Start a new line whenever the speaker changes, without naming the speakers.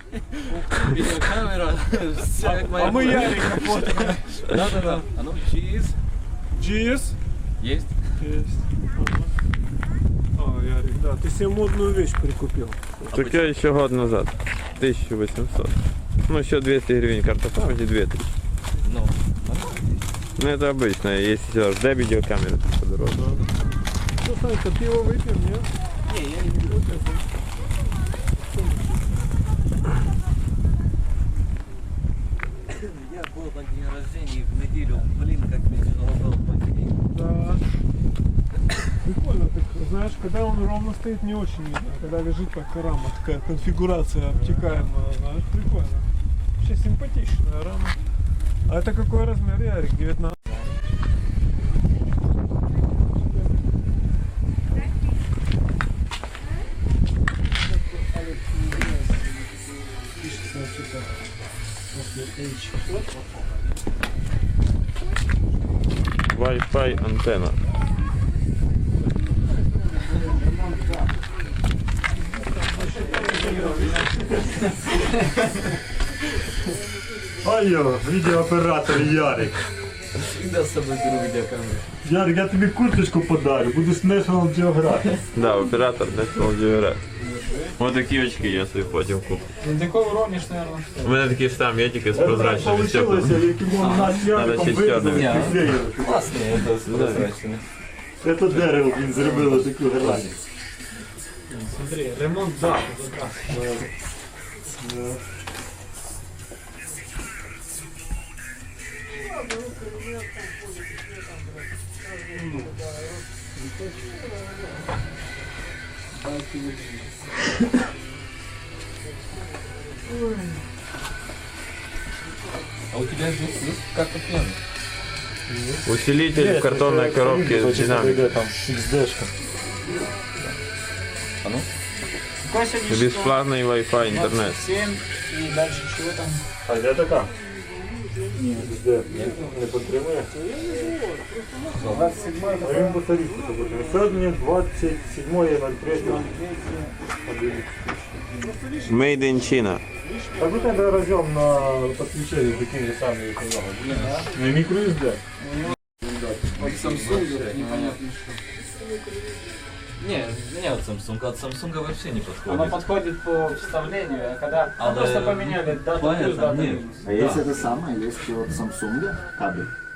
Видеокамера.
А мы Ярика фотографируем.
Да. А ну, cheese.
GS?
Есть.
Есть. О, Ярик, да, ты себе модную вещь прикупил.
Так я еще год назад. 1800. Ну, еще 200 гривен карта памяти, 2000.
Ну,
Ну, это обычно, если сюда жда видеокамеры подороже.
Ну, Санька, пиво выпьем, нет?
не, я не люблю. Я был на день рождения в неделю, блин, как мне тяжело было пойти.
Да. Прикольно, так, знаешь, когда он ровно стоит, не очень видно. А когда лежит так рама, такая конфигурация обтекаемая, знаешь, прикольно. Вообще симпатичная рама. А это какой размер, Ярик? 19?
Wi-Fi антенна.
Алло, відеооператор Ярик.
Всегда с собой беру видеокамеру.
Ярик, я тобі курточку подарю, будеш National Geographic.
Да, оператор National Geographic. Вот такие очки я собі потім куплю.
Ты такой уронишь, наверное.
У мене такий ж там є, тільки з
Так
прозрачними
получилось,
стеклами.
яким нас з Яриком
ще чорним.
визвали.
Классные, это с прозрачными.
Це дерево, він зробило таку грані.
Смотри, ремонт, да.
А у тебя здесь есть карта плены?
Усилитель в картонной коробке с динамиком.
Там XD-шка.
А ну?
Какой сегодня
Бесплатный Wi-Fi интернет.
7 и дальше чего там?
А де така? Ні, XD. Не підтримує.
27
А він по тарифу підтримує. Сьогодні 27.03.
Made in China.
Так у тебе разъем на подключение такие же самые, как у меня. Не микро SD.
От Samsung непонятно что. Не, не от Samsung, от Samsung вообще не подходит.
Оно подходит по вставлению, а когда
А,
просто
да,
поменяли дату плюс,
понятно,
дату
нет.
минус.
А есть это самое, есть от Samsung кабель.